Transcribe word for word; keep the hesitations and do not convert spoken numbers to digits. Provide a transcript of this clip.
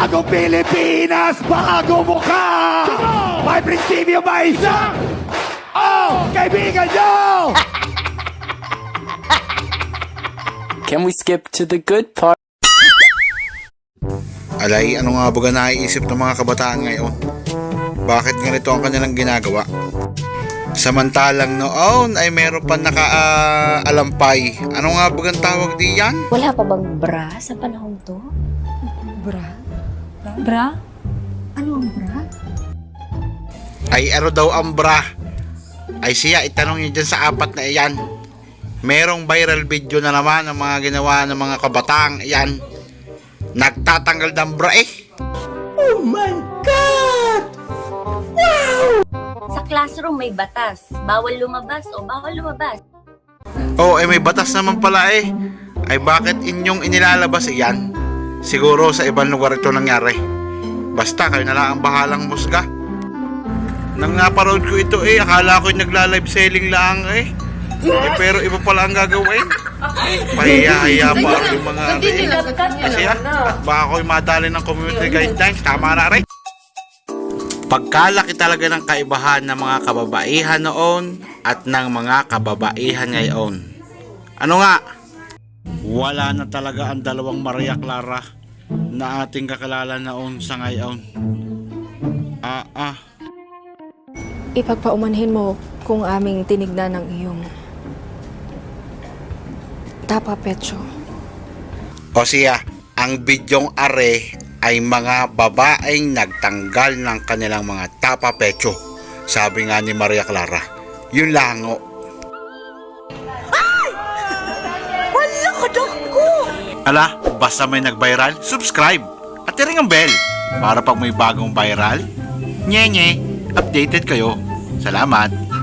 Bagong Pilipinas, bagong mukha! May prinsipyo ba isa? Oh, kaibigan nyo! Can we skip to the good part? Alay, ano nga ba naiisip ng mga kabataan ngayon? Bakit ganito ang kanilang ginagawa? Samantalang noon ay meron pa naka-alampay. Ano nga ba ang tawag diyan? Wala pa bang bra sa panahon to? Bra? Bra? Ano ang bra? Ay ano daw ang bra? Ay siya, itanong niyo dyan sa apat na iyan. Merong viral video na naman ng mga ginawa ng mga kabatang iyan. Nagtatanggal ng bra eh. Oh my God! Wow! Sa classroom may batas. Bawal lumabas o bawal lumabas. Oh, eh may batas naman pala eh. Ay bakit inyong inilalabas iyan? Siguro sa ibang lugar ito nangyari. Basta kayo na lang ang bahalang musga. Nang naparood ko ito eh, akala ko yung nagla-live selling lang eh. Eh pero iba pala ang gagawin. Pahiya-hiya pa ako yung mga rin. Kasi ah, baka ako'y madali ng community guidelines. Tama na rin. Pagkalaki talaga ng kaibahan ng mga kababaihan noon at ng mga kababaihan ngayon. Ano nga? Wala na talaga ang dalawang Maria Clara na ating kakilala noon sa ngayon. Ah ah. Ipagpaumanhin mo kung aming tinignan ng iyong tapa pecho. O siya, ang bidyong are ay mga babaeng nagtanggal ng kanilang mga tapa pecho. Sabi nga ni Maria Clara. Yun lang o. Wala ka ko! Ala, basta may nag-viral, subscribe at i-ring ang bell para pag may bagong viral, nye-nye, updated kayo. Salamat!